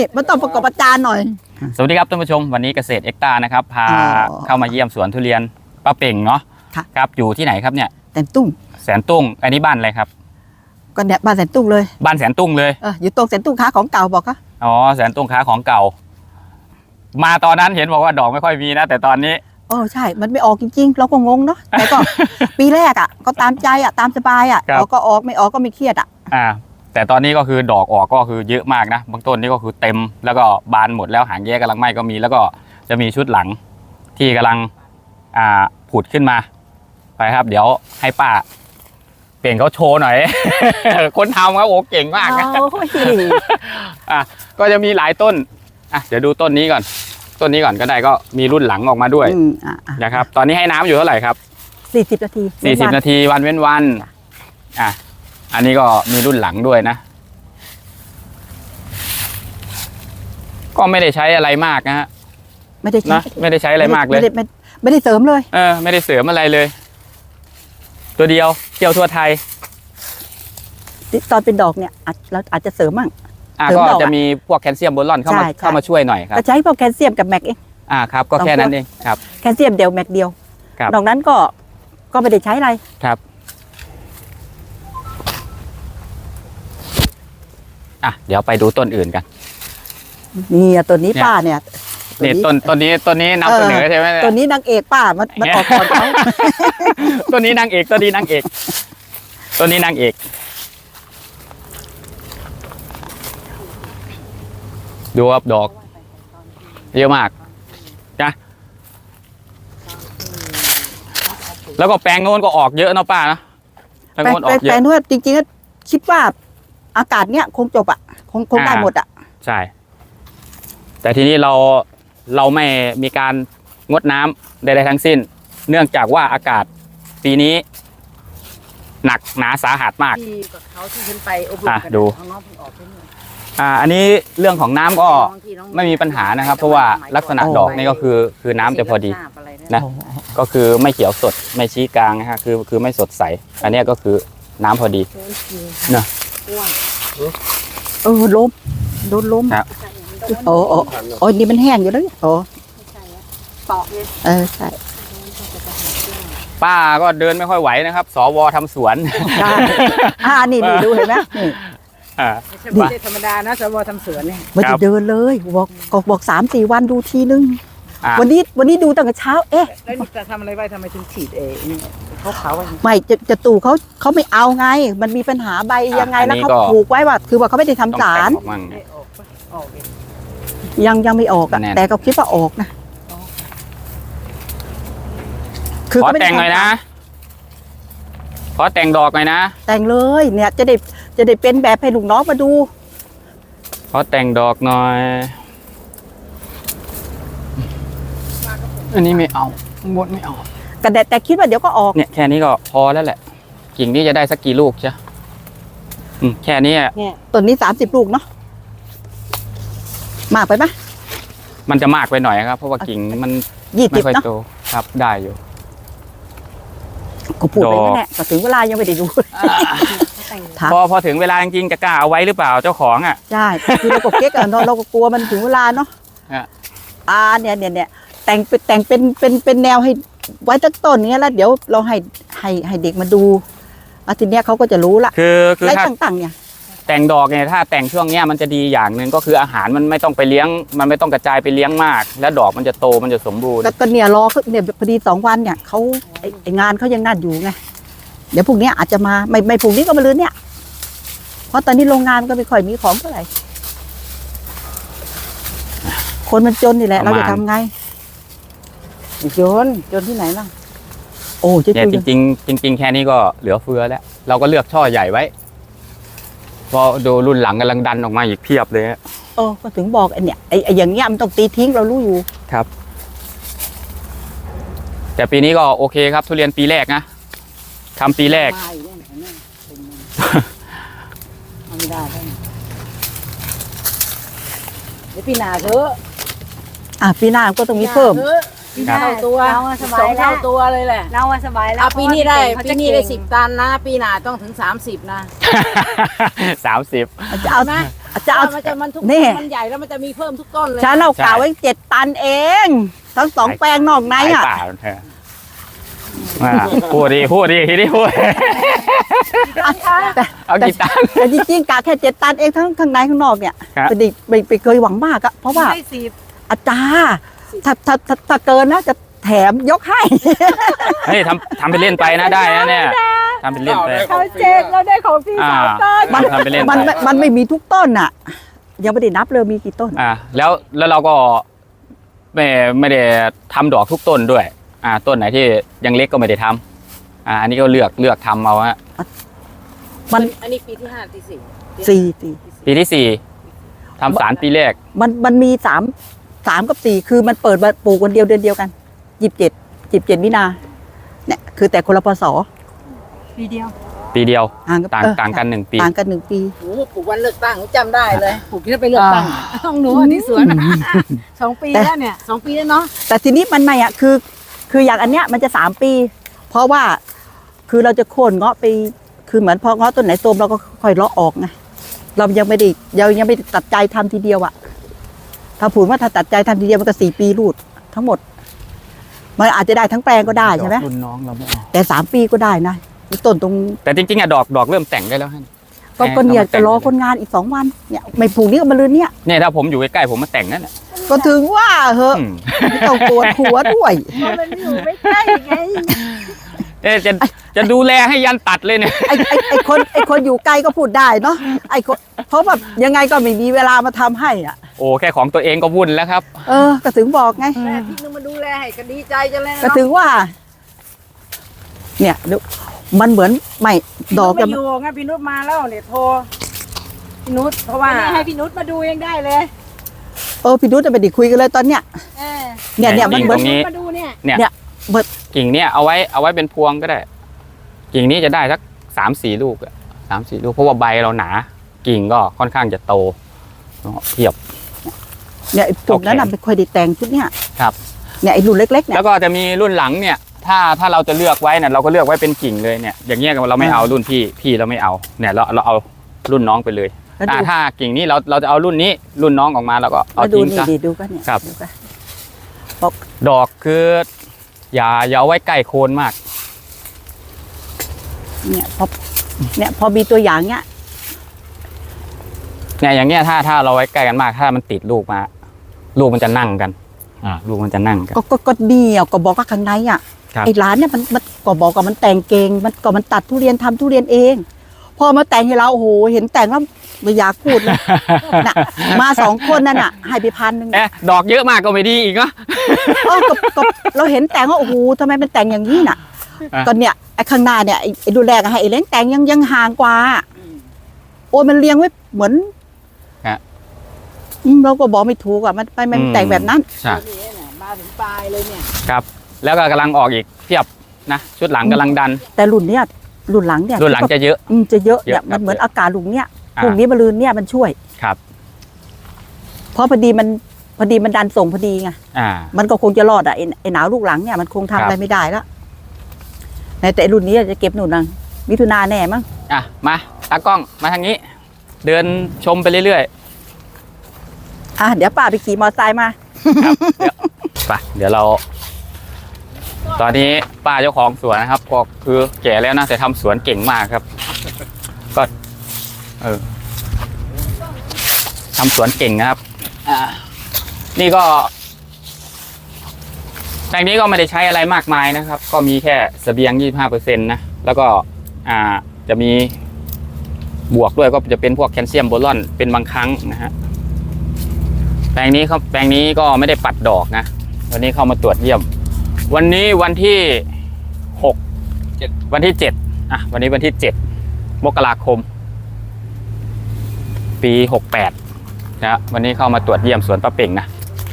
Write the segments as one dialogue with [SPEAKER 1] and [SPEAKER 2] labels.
[SPEAKER 1] มันต้องประกอบอาจารย์หน่อย
[SPEAKER 2] สวัสดีครับท่านผู้ชมวันนี้เกษตรเอ็กตานะครับพาเข้ามาเยี่ยมสวนทุเรียนป้าเป่งเนาะครับอยู่ที่ไหนครับเนี่ย
[SPEAKER 1] แสนตุ้ง
[SPEAKER 2] แสนตุ้งอันนี้บ้านอะไรครับ
[SPEAKER 1] ก็เนี่ยบ้านแสนตุ้งเลย
[SPEAKER 2] บ้านแสนตุ้งเลย
[SPEAKER 1] อยู่ตรงแสนตุ้งค้าของเก่าบอกก็
[SPEAKER 2] อ๋อแสนตุ้งค้าของเก่ามาตอนนั้นเห็นบอกว่าดอกไม่ค่อยมีนะแต่ตอนนี้
[SPEAKER 1] ใช่มันไม่ออกจริงๆเราก็งงเนาะแต่ก็ ปีแรกก็ตามใจตามสบายออกก็ออกไม่ออกก็ไม่เครียด
[SPEAKER 2] แต่ตอนนี้ก็คือดอกออกก็คือเยอะมากนะบางต้นนี่ก็คือเต็มแล้วก็บานหมดแล้วหางแยกกำลังไหม้ก็มีแล้วก็จะมีชุดหลังที่กำลังผุดขึ้นมาไปครับเดี๋ยวให้ป้าเปลี่ยนเขาโชว์หน่อย คนทำครับโอ้เก่งมากนะก็จะมีหลายต้นเดี๋ยวดูต้นนี้ก่อนก็ได้ก็มีรุ่นหลังออกมาด้วยนะครับตอนนี้ให้น้ำอยู่เท่าไหร่ครับ
[SPEAKER 1] 40 นาที
[SPEAKER 2] 40 นาทีวันเว้นวันอันนี้ก็มีรุ่นหลังด้วยนะก็ไม่ได้ใช้อะไรมากนะฮะ
[SPEAKER 1] ไม่ได้
[SPEAKER 2] ใช้อะไรมากเลย
[SPEAKER 1] ไม่ได้เสริมเลย
[SPEAKER 2] ไม่ได้เสริมอะไรเลยตัวเดียวเกี่ยวทั่วไทย
[SPEAKER 1] ตอนเป็นดอกเนี่ยเราอาจจะเสริมมั่ง
[SPEAKER 2] ก็จะมีพวกแคลเซียมโบรอนเข้ามาช่วยหน่อยครับ
[SPEAKER 1] ใช้พวกแคลเซียมกับแมกเอง
[SPEAKER 2] ครับก็แค่นั้นเองครับ
[SPEAKER 1] แคลเซียมเดียวแมกเดียวนอกนั้นก็ไม่ได้ใช้อะไร
[SPEAKER 2] ครับเดี๋ยวไปดูต้นอื่นกัน
[SPEAKER 1] นี่ต้นนี้ป้าเนี่ย
[SPEAKER 2] นี่ต้นนี้นำเสนอใช่ไหม
[SPEAKER 1] ต้นนี้นางเอกป้ามันออกก่อนเขา
[SPEAKER 2] ต้นนี้นางเอกต้นนี้นางเอกดูครับดอกเยอะมากนะแล้วก็แปลงโน้นก็ออกเยอะเนาะป้านะ
[SPEAKER 1] แปลงโน้นจริงๆคิดว่าอากาศเนี้ยคงจบคงได้หมด
[SPEAKER 2] ใช่แต่ทีนี้เราไม่มีการงดน้ำใดๆทั้งสิ้นเนื่องจากว่าอากาศปีนี้หนักหนาสาหัสมาก
[SPEAKER 1] เขาที่ขึ้นไปอบรมกัน
[SPEAKER 2] ดูอันนี้เรื่องของน้ำก็ไม่มีปัญหานะครับเพราะว่าลักษณะดอกนี่ก็คือน้ำจะพอดีนะก็คือไม่เขียวสดไม่ชี้กลางนะฮะคือไม่สดใสอันนี้ก็คือน้ำพอดีนะ
[SPEAKER 1] ล้มโดนล้มนี่มันแห้งอยู่แล้วปอกเลยใช่
[SPEAKER 2] ป้าก็เดินไม่ค่อยไหวนะครับสวทำสวน
[SPEAKER 1] นี่ดูเห็นไหม
[SPEAKER 3] ไม่ใช่ธรรมดานะสวทำสวนเนี่ย
[SPEAKER 1] ไม่ได้เดินเลยบอก 3-4 วันดูทีนึงวันนี้ดูตั้งแต่เช้า
[SPEAKER 3] แล้วนี่จะทำอะไรไว้ทำไมถึงฉีดเขา
[SPEAKER 1] ไม่จะตู่เขาไม่เอาไงมันมีปัญหาใบยังไงแล้วเขาผูกไว้ว่าคือว่าเขาไม่ได้ทำสารยังไม่ออกแต่ก็คิดว่าออกนะ
[SPEAKER 2] ขอแต่งหน่อยนะขอแต่งดอกหน่อยนะ
[SPEAKER 1] แต่งเลยเนี่ยจะได้เป็นแบบให้ลูกน้องมาดู
[SPEAKER 2] ขอแต่งดอกหน่อยอันนี้ไม่เอาบดไม่เอา
[SPEAKER 1] แต่คิดว่าเดี๋ยวก็ออก
[SPEAKER 2] เนี่ยแค่นี้ก็พอแล้วแหละกิ่งนี้จะได้สักกี่ลูกใช่แค่นี้
[SPEAKER 1] ต้นนี้30 ลูกเนาะมากไปไหม
[SPEAKER 2] มันจะมากไปหน่อยครับเพราะว่ากิ่งมันไม่ค่อยโตครับได้อยู่
[SPEAKER 1] ก็พูดไปนั่นแหละถึงเวลายังไม่ได้ดู
[SPEAKER 2] พอถึงเวลาจริงๆจะกล้าเอาไว้หรือเปล่าเจ้าของ
[SPEAKER 1] ใช่คือเราก็เก๊กเราก็กลัวมันถึงเวลาเนาะเนี่ยแต่งเป็นแนวให้ไว้ตั้งต้นเนี้ยแล้วเดี๋ยวเราให้เด็กมาดูทีเนี้ยเขาก็จะรู้ละ
[SPEAKER 2] คือ
[SPEAKER 1] ถ้าต่างเนี่ย
[SPEAKER 2] แต่งดอกเนี่ยถ้าแต่งช่วงเนี้ยมันจะดีอย่างหนึ่งก็คืออาหารมันไม่ต้องไปเลี้ยงมันไม่ต้องกระจายไปเลี้ยงมากแล้วดอกมันจะโตมันจะสมบูรณ์
[SPEAKER 1] ก็เนี่ยรอเนี่ยพอดี2 วันเนี่ยเขางานเขายังนั่นอยู่ไงเดี๋ยวพรุ่งนี้อาจจะมาไม่พรุ่งนี้ก็มาลืนเนี่ยเพราะตอนนี้โรงงานก็ไม่ค่อยมีของเท่าไหร่คนมันจนนี่แหละเราจะทำไงจนที่ไหนล่ะ
[SPEAKER 2] เนี่ยจริงแค่นี้ก็เหลือเฟือแล้วเราก็เลือกช่อใหญ่ไว้พอดูรุ่นหลังกำลังดันออกมาอีกเพียบเลย
[SPEAKER 1] ก็ถึงบอกเนี่ยไอ้อย่างเงี้ยมันต้องตีทิ้งเรารู้อยู่
[SPEAKER 2] ครับแต่ปีนี้ก็โอเคครับทุเรียนปีแรกนะทำปีแรก
[SPEAKER 3] ไม่ได้เดี๋ยวปีหน้าเถอะ
[SPEAKER 1] ปีหน้าก็ต้องมีเพิ่ม
[SPEAKER 3] เท่าตัว2 เท่าตัวเลยแหละ
[SPEAKER 4] เราสบายแล้ว
[SPEAKER 3] ปีนี้ได้10 ตันนะปีหน้าต้องถึง30นะ
[SPEAKER 2] 30
[SPEAKER 1] เอาไหมจะเอา
[SPEAKER 3] มันทุก
[SPEAKER 1] นี่
[SPEAKER 3] ต้นมันใหญ่แล้วมันจะมีเพิ่มทุกต้นเลย
[SPEAKER 1] ฉันเอากล่าวไว้7 ตันเอง ทั้ง2 แปลงนอกใน
[SPEAKER 2] ขาย
[SPEAKER 1] อ่ะ
[SPEAKER 2] ป่าแท้พูดดีทีนี้พูด
[SPEAKER 1] แต่
[SPEAKER 2] เอากี่ตัน
[SPEAKER 1] แต่จริงๆกะแค่7 ตันเองทั้งข้างในข้างนอกเนี่ย
[SPEAKER 2] ครับ
[SPEAKER 1] ไม่เคยหวังมากอะเพราะว่า
[SPEAKER 3] ได้สิบ
[SPEAKER 1] อาจารย์ถ้าเกินนะจะแถมยกให้
[SPEAKER 2] เฮ้ยทำไปเล่นไปนะได้นะเนี่ยทำเป็นเล่นไป
[SPEAKER 3] เขาเจ็กเราได้ของพี่สาวต้น
[SPEAKER 1] มัน
[SPEAKER 2] ทำไปเล่นไป
[SPEAKER 1] มันไม่มีทุกต้นอ่ะ ยังไม่ได้นับเลยมีกี่ต้น
[SPEAKER 2] แล้วเราก็ไม่ได้ทำดอกทุกต้นด้วยต้นไหนที่ยังเล็กก็ไม่ได้ทำอันนี้ก็เลือกทำเอาฮะ
[SPEAKER 3] อันนี้ปีที่5ที่4
[SPEAKER 1] 4
[SPEAKER 2] ปีที่ 4ทำสารปีแรก
[SPEAKER 1] มันมี3กับ 4คือมันเปิดมาปลูกวันเดียวเดือนเดียวกัน27มินาเนี่ยคือแต่คนละพศ
[SPEAKER 3] ปีเดียว
[SPEAKER 2] ปีเดียว
[SPEAKER 1] ห่าง
[SPEAKER 2] ต่างกัน1 ปี
[SPEAKER 1] ต่างกัน1 ปี
[SPEAKER 3] โอ้ปลูกวันเลือกตั้งจำได้เลยปลูกที่ไปเลือกตั้งต้องหนูอันนี้สวน2 ปีแล้วเนี่ย2 ปีแล้วเนาะ
[SPEAKER 1] แต่ทีนี้มันไม่อ่ะคืออย่างอันเนี้ยมันจะ3 ปี เพราะว่าคือเราจะโค่นเงาะไปคือเหมือนพอเงาะต้นไหนโตมเราก็ค่อยเลาะออกไงเรายังไม่ได้ตัดใจทำทีเดียวอ่ะถ้าผูดว่าถ้าตัดใจทำทีเดียวมันก็4 ปีรูดทั้งหมดมันอาจจะได้ทั้งแปลงก็ได้ใช่ไหม
[SPEAKER 2] รุ่นน้องเราไม่เอา
[SPEAKER 1] แต่3 ปีก็ได้นะต้นตรง
[SPEAKER 2] แต่จริงๆดอกเริ่มแต่งได้แล้วฮะ
[SPEAKER 1] ก็เนี่ยจะรอคนงานอีก2 วันเนี่ยไม่ผูกนี่ก็มาลืนเนี่ย
[SPEAKER 2] เนี่ยถ้าผมอยู่ใกล้ๆผมมาแต่งนั่นแหละ
[SPEAKER 1] ก็ถึงว่าเหอะ
[SPEAKER 2] อืม
[SPEAKER 1] ไม่ต้องปวดหัวด้วย
[SPEAKER 3] มันอยู่ไม่ใกล้ไง
[SPEAKER 2] จะดูแลให้ยันตัดเลยเนี่ย
[SPEAKER 1] ไอ้คนอยู่ไกลก็พูดได้เนาะไอ้คนเพราะแบบยังไงก็ไม่มีเวลามาทำให้อ่ะ
[SPEAKER 2] โอ้แค่ของตัวเองก็วุ่นแล้วครับ
[SPEAKER 1] ก็ถึงบอกไง
[SPEAKER 3] แม่พี่นึงมาดูแลให้ก็ดีใจจังเลย
[SPEAKER 1] ก็ถึงว่า เนี่ยดูมันเหมือนไม่ดอก
[SPEAKER 3] จะ
[SPEAKER 1] จะ
[SPEAKER 3] อยู่ไงพี่นุชมาแล้วเนี่ยโทรพี่นุชเพราะว่าให้พี่นุชมาดูยังได้เลย
[SPEAKER 1] พี่นุชจะไปดิคุยกันเลยตอนเนี้ยเนี่ยมันเหมือน
[SPEAKER 2] ตรงนี้
[SPEAKER 3] มาดูเนี่ย
[SPEAKER 2] เนี่ยกิ่งเนี่ยเอาไว้เป็นพวงก็ได้ กิ่งนี้จะได้สัก3-4 ลูกอะ3-4 ลูกเพราะว่าใบเราหนา กิ่งก็ค่อนข้างจะโตเทียบ
[SPEAKER 1] เนี่ยไอ้ปลูกนั้นน่ะไม่ค่อยได้แต่งชุดเนี้ย
[SPEAKER 2] ครับ
[SPEAKER 1] เนี่ยไอ้รุ่นเล็กๆเนี่ย
[SPEAKER 2] แล้วก็จะมีรุ่นหลังเนี่ย ถ้าเราจะเลือกไว้เนี่ยเราก็เลือกไว้เป็นกิ่งเลยเนี่ย อย่างเงี้ยเราไม่เอารุ่นพี่เราไม่เอาเนี่ยเราเอารุ่นน้องไปเลย
[SPEAKER 1] แล้วดู
[SPEAKER 2] ถ้ากิ่งนี้เราจะเอารุ่นนี้รุ่นน้องออกมาแล้วก็เอา
[SPEAKER 1] แล้วดู
[SPEAKER 2] ทิ้ง
[SPEAKER 1] นี่
[SPEAKER 2] ซะ
[SPEAKER 1] ดิดูกันเนี่ย
[SPEAKER 2] ครับ
[SPEAKER 1] ดูกัน
[SPEAKER 2] ดอกคืออย่าเอาไว้ใกล้โคนมาก
[SPEAKER 1] เนี่ยพอมีตัวอย่างเนี้ย
[SPEAKER 2] เนี่ยอย่างเงี้ยถ้าเราไว้ใกล้กันมากถ้ามันติดลูกมาลูกมันจะนั่งกันลูกมันจะนั่งกัน
[SPEAKER 1] ก็เดียวก็บอกว่าข้างในอ่ะ
[SPEAKER 2] ครับ
[SPEAKER 1] ไอ้ร้านเนี่ยมันก็บอกว่ามันแต่งเก่งมันตัดทุเรียนทำทุเรียนเอง พอมาแต่งให้เราโอ้โหเห็นแต่งแล้วไม่อยากพูดเลย น่ะมา2 คนนั่นน่ะให้ไป1,000
[SPEAKER 2] ดอกเยอะมากก็ไม่ดีอีกเนาะ
[SPEAKER 1] ก็เราเห็นแต่งว่าโอ้โหทำไมมันแต่งอย่างนี้น่ะ
[SPEAKER 2] อ่ะ
[SPEAKER 1] ก็เนี่ยไอ้ข้างหน้าเนี่ยไอ้ดูแลกันให้ไอ้เล้งแต่งยังห่างกว่าโอ้ยมันเรียงไว้เหมือนเราก็บอกไม่ถูกอ่ะมันแต่งแบบนั้น
[SPEAKER 2] ใช่
[SPEAKER 3] นี่เนี่ยมาถึงปลายเลยเนี่ย
[SPEAKER 2] ครับแล้วก็กำลังออกอีกเทียบนะชุดหลังกำลังดัน
[SPEAKER 1] แต่รุ่นเนี้ยรุ่นหลังเนี่ย
[SPEAKER 2] รุ่นหลังจะเยอะ
[SPEAKER 1] จะเยอะ
[SPEAKER 2] เยอะ
[SPEAKER 1] เนี่ยมันเหมือน
[SPEAKER 2] ครับ
[SPEAKER 1] อากาศลุงเนี่ย
[SPEAKER 2] อ่า
[SPEAKER 1] พรุ่งนี้มะรืนเนี่ยมันช่วย
[SPEAKER 2] ครับ
[SPEAKER 1] เพราะพอดีมันดันส่งพอดีไง มันก็คงจะรอดอ่ะไอ้หนาวลูกหลังเนี่ยมันคงทำอะไรไม่ได้แล้วแต่รุ่นนี้จะเก็บหนุนนังมิถุนาแน่มั้ง
[SPEAKER 2] มาตากล้องมาทางนี้ เดินชมไปเรื่อย
[SPEAKER 1] เดี๋ยวป้าไปขี่มอเตอร์ไซค์มา
[SPEAKER 2] ๆครับเดี๋ยวเรา ตอนนี้ป้าเจ้าของสวนนะครับ ก็คือแก่แล้วนะแต่ทำสวนเก่งมากครับ ก็ทำสวนเก่งนะครับนี่ก็แปลงนี้ก็ไม่ได้ใช้อะไรมากมายนะครับ ก็มีแค่เสบียง 25% นะแล้วก็จะมีบวกด้วยก็จะเป็นพวกแคลเซียมโบรอนเป็นบางครั้งนะฮะแปลงนี้ก็ไม่ได้ปัดดอกนะวันนี้เข้ามาตรวจเยี่ยม วันนี้วันที่6วันที่7วันนี้วันที่7 มกราคม ปี 68นะวันนี้เข้ามาตรวจเยี่ยมสวนป้าเป่งนะ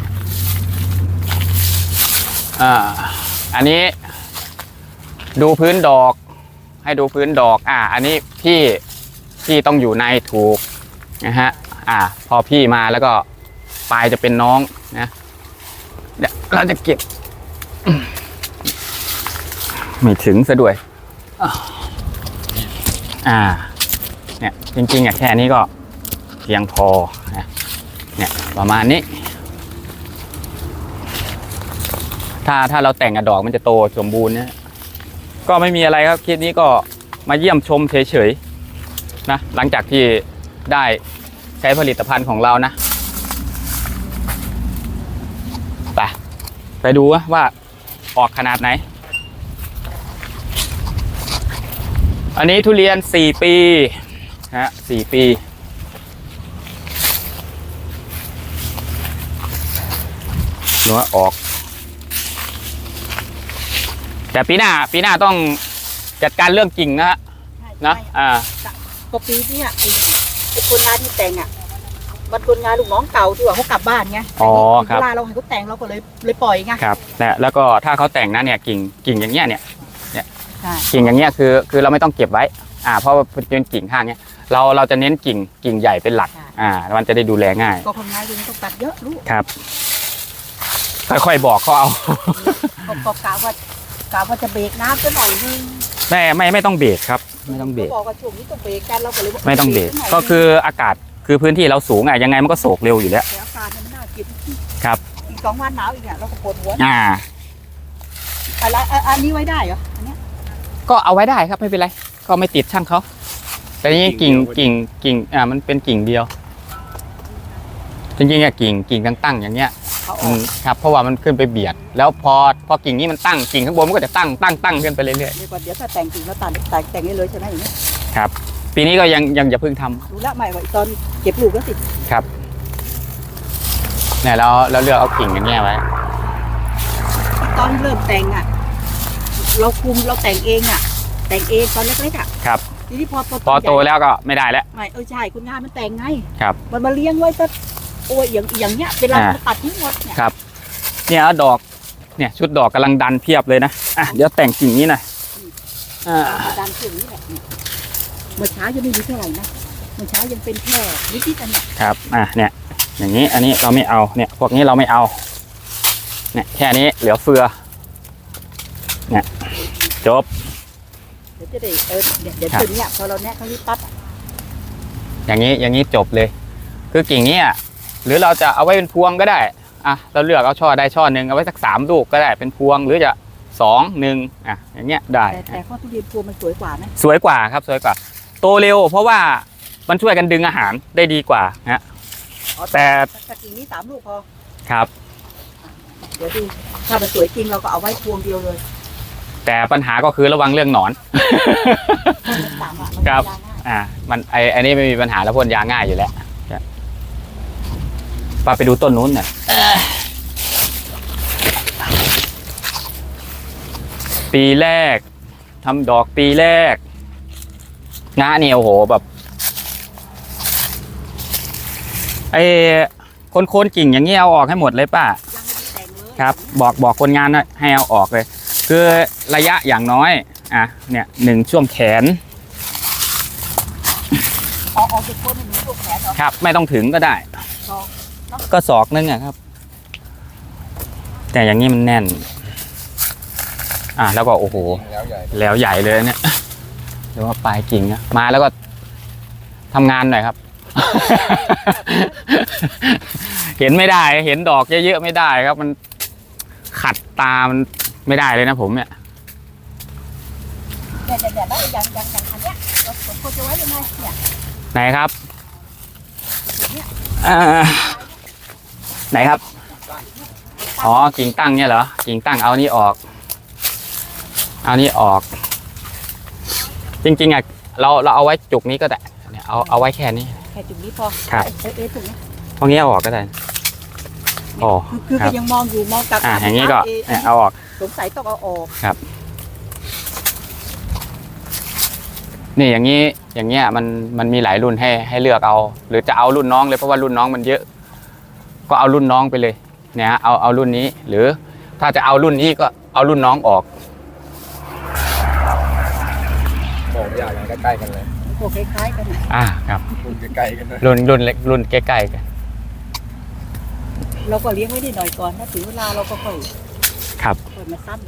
[SPEAKER 2] อันนี้ดูพื้นดอกให้ดูพื้นดอกอันนี้พี่ต้องอยู่ในถูกนะฮะพอพี่มาแล้วก็ปลายจะเป็นน้องนะเดี๋ยวเราจะเก็บไม่ถึงซะด้วยเนี่ยจริงๆแค่นี้ก็พียงพอนะเนี่ยประมาณนี้ ถ้าเราแต่งดอกมันจะโตสมบูรณ์นะก็ไม่มีอะไรครับคลิปนี้ก็มาเยี่ยมชมเฉยๆนะหลังจากที่ได้ใช้ผลิตภัณฑ์ของเรานะไปดูว่าออกขนาดไหนอันนี้ทุเรียน4 ปีฮะ4 ปีหนูออกแต่ปีหน้าต้องจัดการเรื่องกิ่งนะฮะนะ
[SPEAKER 1] ก็ปีนี้ไอ้คนงานที่แต่งมันคนงานลูกน้องเก่าที่ว่าเขากลับบ้านไงเวลาเราให้เขาแต่งเราก็เลยปล่อยไง
[SPEAKER 2] ครับแล้วก็ถ้าเขาแต่งนะเนี่ยกิ่งอย่างเงี้ยเนี่ยกิ่งอย่างเงี้ยคือเราไม่ต้องเก็บไว้เพราะว่าเป็นกิ่งข้างเนี้ยเราจะเน้นกิ่งใหญ่เป็นหลักมันจะได้ดูแลง่าย
[SPEAKER 1] ก็คนงานต้องตัดเยอะรู้
[SPEAKER 2] ครับค่อยๆบอกเขาเอา
[SPEAKER 1] ก็กะว่าจะเบรกน้ำซะหน่อยนึง
[SPEAKER 2] ไม่ต้องเบรกครับไม่ต้องเบรก
[SPEAKER 1] บอกว่าช่วงนี้ต้องเบรกกันเราก็เลย
[SPEAKER 2] ไม่ต้องเบรกก็คืออากาศคือพื้นที่เราสูงยังไงมันก็โศกเร็วอยู่แล้ว
[SPEAKER 1] อากาศมันน่ากิน
[SPEAKER 2] ครับ
[SPEAKER 1] อีก2 วันหนาวอีกเราก็ปวดหัวอะไรอันนี้ไว้ได้เหรออันนี้
[SPEAKER 2] ก็เอาไว้ได้ครับไม่เป็นไรก็ไม่ติดช่างเขาแต่นี่กิ่งมันเป็นกิ่งเดียวจริงๆกิ่งตั้งอย่างเงี้ยครับเพราะว่ามันขึ้นไปเบียดแล้วพอกิ่งนี้มันตั้งกิ่งข้างบนมันก็จะตั้งขึ้นไปเรื่อยๆเ
[SPEAKER 1] ดี๋ยวถ้าแต่งกิ่งแล้วแต่งได้เลยใช่ไหมอย่างนี้
[SPEAKER 2] ครับปีนี้ก็ยังจะเพิ่งทำ
[SPEAKER 1] รู้ละใหม่ว่าตอนเก็บลูกแล้วสิ
[SPEAKER 2] ครับเนี่ยเราเลือกเอากิ่งอย่างเงี้ยไว้
[SPEAKER 1] ตอนเริ่มแต่งเราคุมเราแต่งเองแต่งเองตอนเล็กๆ
[SPEAKER 2] ครับ
[SPEAKER 1] ทีนี้
[SPEAKER 2] พอโตแล้วก็ไม่ได้แล้ว
[SPEAKER 1] ไม่ใช่คุณงานมันแต่งไง
[SPEAKER 2] ครับ
[SPEAKER 1] มันมาเลี้ยงไว้ซะโอ้ยอย่างเงี้ยเวลาตัดทิ้งหมดเนี่ย
[SPEAKER 2] ครับเนี่ยดอกเนี่ยชุดดอกกำลังดันเพียบเลยนะเดี๋ยวแต่งกิ่งนี้หน่อย
[SPEAKER 1] ดันกิ่งนี้แหละเมื่อเช้ายังไม่มีเท่าไหร่นะเมื่อเช้ายังเป็นแค่นิดๆเนี่ย
[SPEAKER 2] ครับเนี่ยอย่างนี้อันนี้เราไม่เอาเนี่ยพวกนี้เราไม่เอาเนี่ยแค่นี้เหลือเฟือเนี่ยจบ
[SPEAKER 1] เดี๋ยวจะได้เดี๋ยวถึงเนี่ยพอเราแนะเขาที่ตัด
[SPEAKER 2] อย่างนี้จบเลยคือกิ่งนี้หรือเราจะเอาไว้เป็นพวงก็ได้เราเลือกเอาช่อได้ช่อหนึ่งเอาไว้สัก3 ลูกก็ได้เป็นพวงหรือจะ2 1อย่างเงี้ยได้
[SPEAKER 1] แต่ข้อทุเรียนพวงมันสวยกว่าไหม
[SPEAKER 2] สวยกว่าครับสวยกว่าโตเร็วเพราะว่ามันช่วยกันดึงอาหารได้ดีกว่าแต่
[SPEAKER 1] กิ่งนี้3 ลูกพอ
[SPEAKER 2] ครับ
[SPEAKER 1] เดี๋ยวดูถ้ามันสวยจริงเราก็เอาไว้พวงเดียวเลย
[SPEAKER 2] แต่ปัญหาก็คือระวังเรื่องหนอนครับมันอันนี้ไม่มีปัญหาแล้วพ่นยาง่ายอยู่แล้วไปดูต้นนู้นหน่อยปีแรกทำดอกปีแรกงาเนี่ยโอ้โหแบบคนกิ่งอย่างเงี้ยเอาออกให้หมดเลยป้าครับบอกคนงานให้เอาออกเลยคือระยะอย่างน้อยเนี่ย1 ช่วงแขน
[SPEAKER 1] ออกจากคน1 ช่วงแขน
[SPEAKER 2] ครับไม่ต้องถึงก็ได้ก็ศอกนึงครับแต่อย่างนี้มันแน่นแล้วก็โอ้โหแล้วใหญ่เลยเนี่ยเดี๋ยวว่าปลายกิ่งมาแล้วก็ทำงานหน่อยครับ เห็นไม่ได้เห็นดอกเยอะๆไม่ได้ครับมันขัดตามันไม่ได้เลยนะผมเนี่ย
[SPEAKER 1] แล้วอย่างอันเนี้ยเราจะไว้ยังไงเนี่ย
[SPEAKER 2] ไหนครับไหนครับกิ่งตั้งเนี่ยเหรอกิ่งตั้งเอานี่ออกจริงๆเราเอาไว้จุกนี้ก็ได้เนี่ยเอาไว้แค่นี้
[SPEAKER 1] แค่จุกนี้พอ
[SPEAKER 2] ครับ
[SPEAKER 1] จุกนี้
[SPEAKER 2] พองี้เอาออกก็ได้
[SPEAKER 1] คือยังมองกับ
[SPEAKER 2] อย่างนี้ก็เอาออก
[SPEAKER 1] สงสัยต้องเอาออก
[SPEAKER 2] ครับนี่อย่างเงี้ยมันมีหลายรุ่นให้เลือกเอาหรือจะเอารุ่นน้องเลยเพราะว่ารุ่นน้องมันเยอะก็เอารุ่นน้องไปเลยเนี่ยเอารุ่นนี้หรือถ้าจะเอารุ่นนี้ก็เอารุ่นน้องออก
[SPEAKER 4] บอกอย่างใกล้ๆกันเลย
[SPEAKER 1] พวกคล้ายๆกัน
[SPEAKER 2] ครับ
[SPEAKER 4] รุ่นใกล้ๆกันเลย
[SPEAKER 2] รุ่นเล็กรุ่นใกล้ๆกัน
[SPEAKER 1] เราก็เลี้ยงไว้ได้หน่อยก่อนถ้าถึงเวลาเราก็ค่อยมาซ้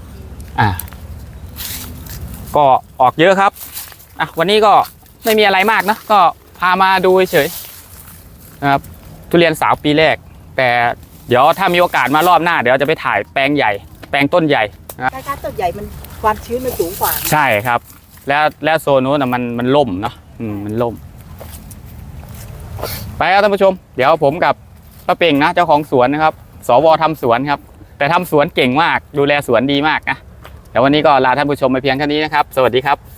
[SPEAKER 2] ำก็ออกเยอะครับวันนี้ก็ไม่มีอะไรมากนะก็พามาดูเฉยนะครับทุเรียนสาวปีแรกแต่เดี๋ยวถ้ามีโอกาสมารอบหน้าเดี๋ยวจะไปถ่ายแปลงใหญ่แปลงต้นใหญ่
[SPEAKER 1] การต้นใหญ่มันความชื้นมันสูงกว่า
[SPEAKER 2] ใช่ครับ แล้วโซนนู้นนะมันล่มเนาะมันล่มไปครับท่านผู้ชมเดี๋ยวผมกับป้าเป่งนะเจ้าของสวนนะครับสวทำสวนครับแต่ทำสวนเก่งมากดูแลสวนดีมากนะเดี๋ยววันนี้ก็ลาท่านผู้ชมไปเพียงเท่านี้นะครับสวัสดีครับ